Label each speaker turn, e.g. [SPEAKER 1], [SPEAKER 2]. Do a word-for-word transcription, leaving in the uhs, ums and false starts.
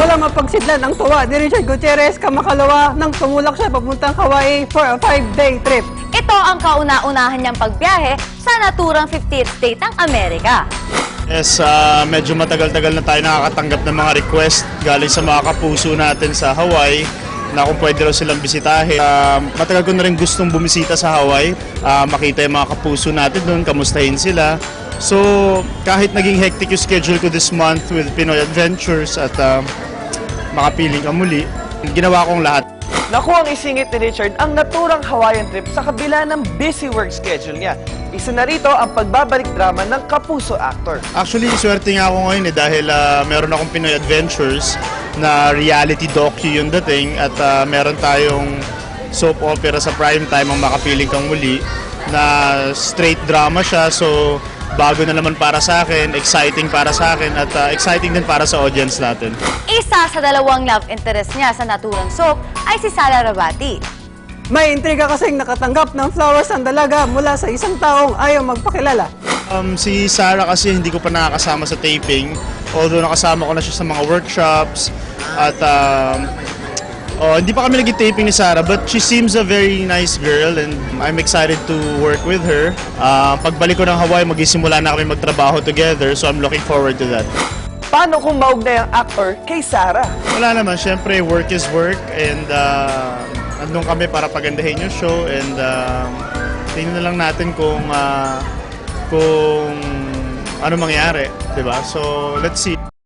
[SPEAKER 1] Wala mapagsidlan ang tuwa ni Richard Gutierrez kamakalawa nang tumulak siya papuntang Hawaii for a five-day trip.
[SPEAKER 2] Ito ang kauna-unahan niyang pagbiyahe sa naturang fiftieth state ng Amerika.
[SPEAKER 3] Yes, uh, medyo matagal-tagal na tayo nakakatanggap ng mga request galing sa mga kapuso natin sa Hawaii na kung pwede raw silang bisitahin. Uh, matagal ko na rin gustong bumisita sa Hawaii, uh, makita yung mga kapuso natin doon, kamustahin sila. So, kahit naging hectic yung schedule ko this month with Pinoy Adventures at uh, makapiling ka muli, ginawa kong lahat.
[SPEAKER 4] Naku ang isingit ni Richard ang naturang Hawaiian trip sa kabila ng busy work schedule niya. Isa na rito ang pagbabalik drama ng kapuso actor.
[SPEAKER 3] Actually, swerte nga ako ngayon eh dahil uh, meron akong Pinoy Adventures na reality docu yung dating at uh, meron tayong soap opera sa prime time ang Makapiling Kang Muli na straight drama siya, so bago na naman para sa akin, exciting para sa akin at uh, exciting din para sa audience natin.
[SPEAKER 2] Isa sa dalawang love interest niya sa naturang soap ay si Sara Rabati.
[SPEAKER 1] May intriga kasing nakatanggap ng flowers ang dalaga mula sa isang taong ayaw magpakilala.
[SPEAKER 3] Um, si Sarah kasi hindi ko pa nakakasama sa taping, although nakasama ko na siya sa mga workshops at um, oh, hindi pa kami nag-taping ni Sarah, but she seems a very nice girl and I'm excited to work with her. Uh, pagbalik ko ng Hawaii, magisimula na kami magtrabaho together, so I'm looking forward to that.
[SPEAKER 4] Paano kung maugnay ang actor kay Sarah?
[SPEAKER 3] Wala naman, syempre work is work and uh, andun kami para pagandahin yung show and uh, tingnan na lang natin kung uh, kung ano mangyari, 'di ba? So, let's see.